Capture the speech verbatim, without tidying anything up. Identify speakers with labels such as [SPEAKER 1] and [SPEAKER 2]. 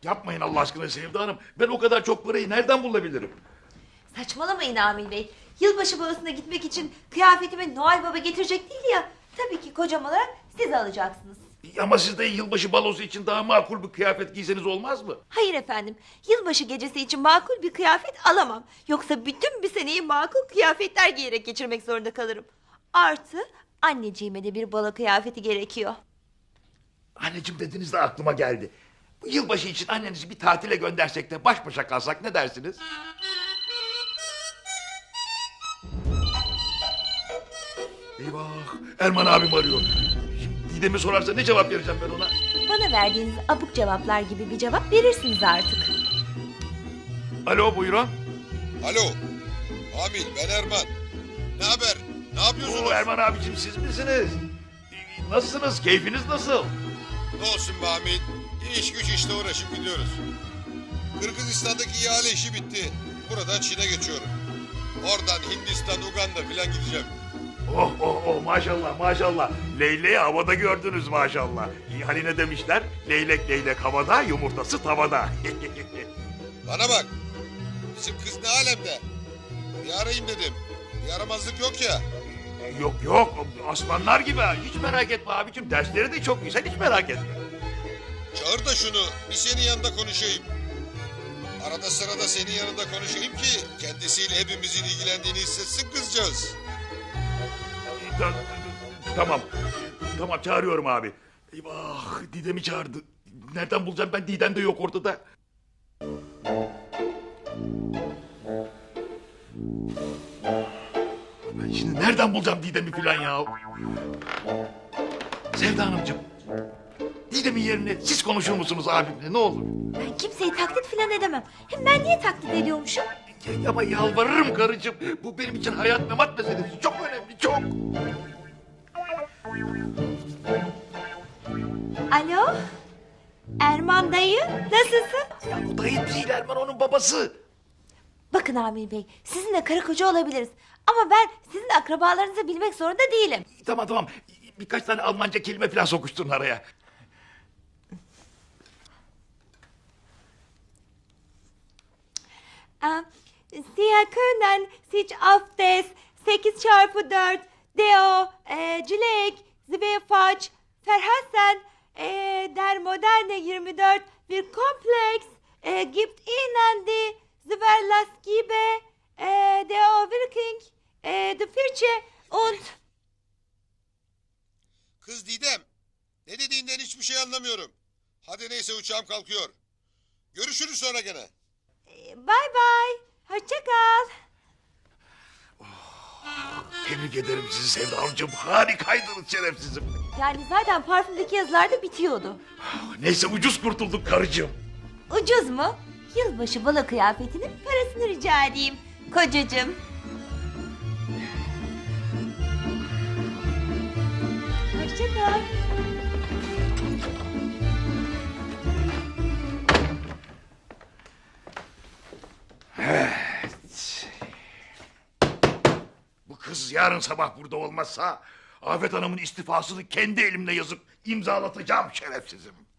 [SPEAKER 1] Yapmayın Allah aşkına Sevda Hanım. Ben o kadar çok parayı nereden bulabilirim?
[SPEAKER 2] Saçmalamayın Amil Bey. Yılbaşı balosuna gitmek için kıyafetimi Noel Baba getirecek değil ya. Tabii ki kocam olarak siz alacaksınız.
[SPEAKER 1] Ama siz de yılbaşı balosu için daha makul bir kıyafet giyseniz olmaz mı?
[SPEAKER 2] Hayır efendim. Yılbaşı gecesi için makul bir kıyafet alamam. Yoksa bütün bir seneyi makul kıyafetler giyerek geçirmek zorunda kalırım. Artı anneciğime de bir balo kıyafeti gerekiyor.
[SPEAKER 1] Anneciğim dediniz de aklıma geldi. Bu yılbaşı için annenizi bir tatile göndersek de baş başa kalsak ne dersiniz? Eyvah! Erman abim arıyor. Şimdi Didem'i sorarsa ne cevap vereceğim ben ona?
[SPEAKER 2] Bana verdiğiniz abuk cevaplar gibi bir cevap verirsiniz artık.
[SPEAKER 1] Alo buyurun.
[SPEAKER 3] Alo. Amil ben Erman. Ne haber? Ne yapıyorsunuz?
[SPEAKER 1] Oo, Erman abicim siz misiniz? Ee, Nasılsınız? Keyfiniz nasıl?
[SPEAKER 3] Ne olsun be Amil? İş güç işte uğraşıp gidiyoruz. Kırgızistan'daki ihale işi bitti. Buradan Çin'e geçiyorum. Oradan Hindistan, Uganda filan gideceğim.
[SPEAKER 1] Oh oh oh maşallah maşallah. Leyleği havada gördünüz maşallah. İyi, hani ne demişler? Leylek leylek havada, yumurtası tavada.
[SPEAKER 3] Bana bak. Bizim kız ne alemde? Bir arayayım dedim. Bir yaramazlık yok ya.
[SPEAKER 1] Yok yok aslanlar gibi ha. Hiç merak etme abicim. Dersleri de çok güzel hiç merak etme.
[SPEAKER 3] Çağır da şunu. Bir senin yanında konuşayım. Arada sırada senin yanında konuşayım ki kendisiyle hepimizin ilgilendiğini hissetsin kızcağız.
[SPEAKER 1] Ta- Tamam. Tamam çağırıyorum abi. Eyvah Didem'i çağırdı. Nereden bulacağım ben Didem de yok ortada. Ben şimdi nereden bulacağım Didem'i filan ya? Sevda Hanımcığım. Didem'in yerine siz konuşur musunuz abimle ne olur?
[SPEAKER 2] Ben kimseyi taklit filan edemem. Hem ben niye taklit ediyormuşum?
[SPEAKER 1] Ya- Ama yalvarırım karıcığım. Bu benim için hayat memat meselesi. Çok önemli çok.
[SPEAKER 2] Alo? Erman dayı nasılsın?
[SPEAKER 1] Ya bu dayı değil Erman onun babası.
[SPEAKER 2] Bakın Amil Bey, sizinle karı koca olabiliriz. Ama ben sizin akrabalarınızı bilmek zorunda değilim.
[SPEAKER 1] Tamam tamam. Birkaç tane Almanca kelime falan sokuşturun araya.
[SPEAKER 2] Ee, Sie können sich auf das sekiz çarpı dört Deo e, Cilek Zweifach Verhassen e, der moderne yirmi dört bir Komplex e, gibt Ihnen die Zverlaskibe e, Deo Working e, de Firche und
[SPEAKER 3] Kız Didem. Ne dediğinden hiçbir şey anlamıyorum. Hadi neyse uçağım kalkıyor. Görüşürüz sonra gene.
[SPEAKER 2] e, bye bye. Hoşça kal.
[SPEAKER 1] Tebrik ederim sizi Sevda Hanımcığım. Harikaydınız şerefsizim.
[SPEAKER 2] Yani zaten parfümdeki yazılar da bitiyordu.
[SPEAKER 1] Neyse ucuz kurtulduk karıcığım.
[SPEAKER 2] Ucuz mu? Yılbaşı balo kıyafetinin parasını rica edeyim kocacığım. Hoşça kal.
[SPEAKER 1] Bu kız yarın sabah burada olmazsa Afet Hanım'ın istifasını kendi elimle yazıp imzalatacağım şerefsizim.